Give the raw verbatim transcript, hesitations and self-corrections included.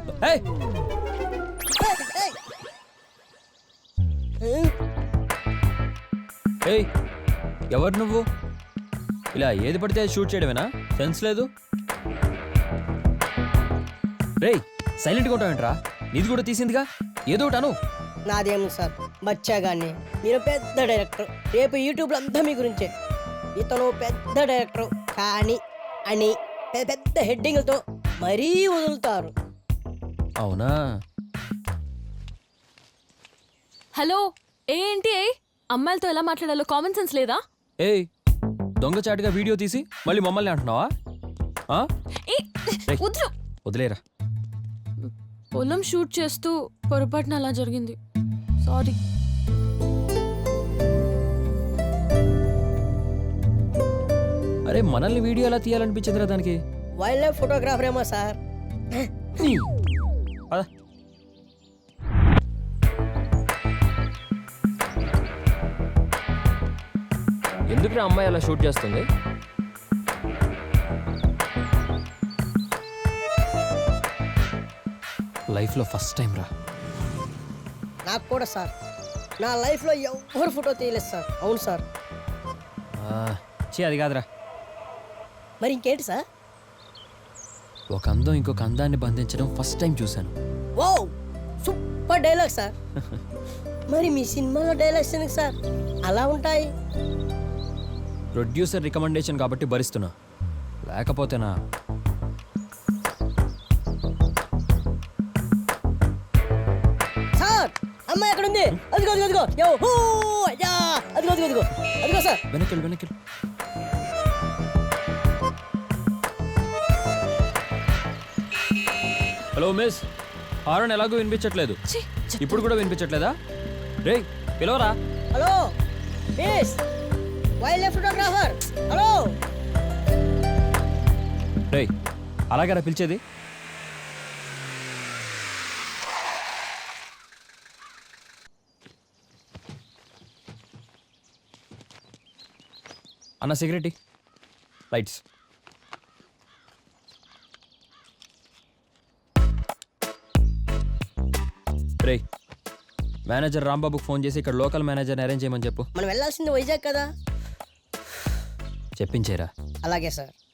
ఏయ్ ఏయ్ ఎవరు నువ్వు? ఇలా ఏది పడితే అది షూట్ చేయడమేనా? సెన్స్ లేదు. రేయ్ సైలెంట్గా ఉంటావేంట్రా? నీది కూడా తీసిందిగా, ఏదో ఒకటి అను. నాదేమో సార్ బచ్చాగాన్ని, మీరు పెద్ద డైరెక్టర్, రేపు యూట్యూబ్లో అంతా మీ గురించే. ఇతను పెద్ద డైరెక్టర్ కానీ అని పెద్ద పెద్ద హెడ్డింగ్లతో మరీ వదులుతారు. అవునా? హలో, ఏంటి ఏ అమ్మాయిలతో ఎలా మాట్లాడాలో కామన్ సెన్స్ లేదా? ఏయ్ దొంగచాటుగా వీడియో తీసి మళ్ళీ మమ్మల్ని అంటున్నావా? ఆ? ఏ రేయ్, వద్దు. వదిలేరా. పొలం షూట్ చేస్తూ పొరపాటున అలా జరిగింది, సారీ. అరే మనల్ని వీడియో ఎలా తీయాలనిపించిందిరా దానికి? వైల్డ్ లైఫ్ ఫోటోగ్రాఫర్ ఏమో సార్. పద. ఎందుకు అమ్మాయి అలా షూట్ చేస్తుంది? లైఫ్లో ఫస్ట్ టైం రా. నాకు కూడా సార్, నా లైఫ్లో ఎవరు ఫోటో తీయలేదు సార్. అవును సార్. చే అది కాదురా. మరి ఇంకేంటి సార్? ఒక అందం ఇంకొక అందాన్ని బంధించడం ఫస్ట్ టైం చూశాను. ఓ సూపర్ డైలాగ్ సార్. మరి మీ సినిమాలో డైలాగ్స్ ఎందుకు సార్ అలా ఉంటాయి? ప్రొడ్యూసర్ రికమెండేషన్ కాబట్టి భరిస్తున్నా, లేకపోతేనా? సార్ అమ్మాయి ఎక్కడ ఉంది? అదిగో అదిగో అదిగో యో హూ అయ్యా అదిగో అదిగో అదిగో అదిగో సార్. వెనకెళ్ళు వెనకెళ్ళు. హలో మిస్, హారన్ ఎలాగో వినిపించట్లేదు. ఛీ, చెత్త. ఇప్పుడు కూడా వినిపించట్లేదా? రేయ్ పిలవరా. Hello miss wildlife photographer. Hello రేయ్ అలాగేరా పిలిచేది? అన్న సిగరెట్ లైట్స్. రేయ్ మేనేజర్ రాంబాబుకి ఫోన్ చేసి ఇక్కడ లోకల్ మేనేజర్ని అరేంజ్ చేయమని చెప్పు. మనం వెళ్ళాల్సింది వైజాగ్ కదా. చెప్పించేరా. అలాగే సార్.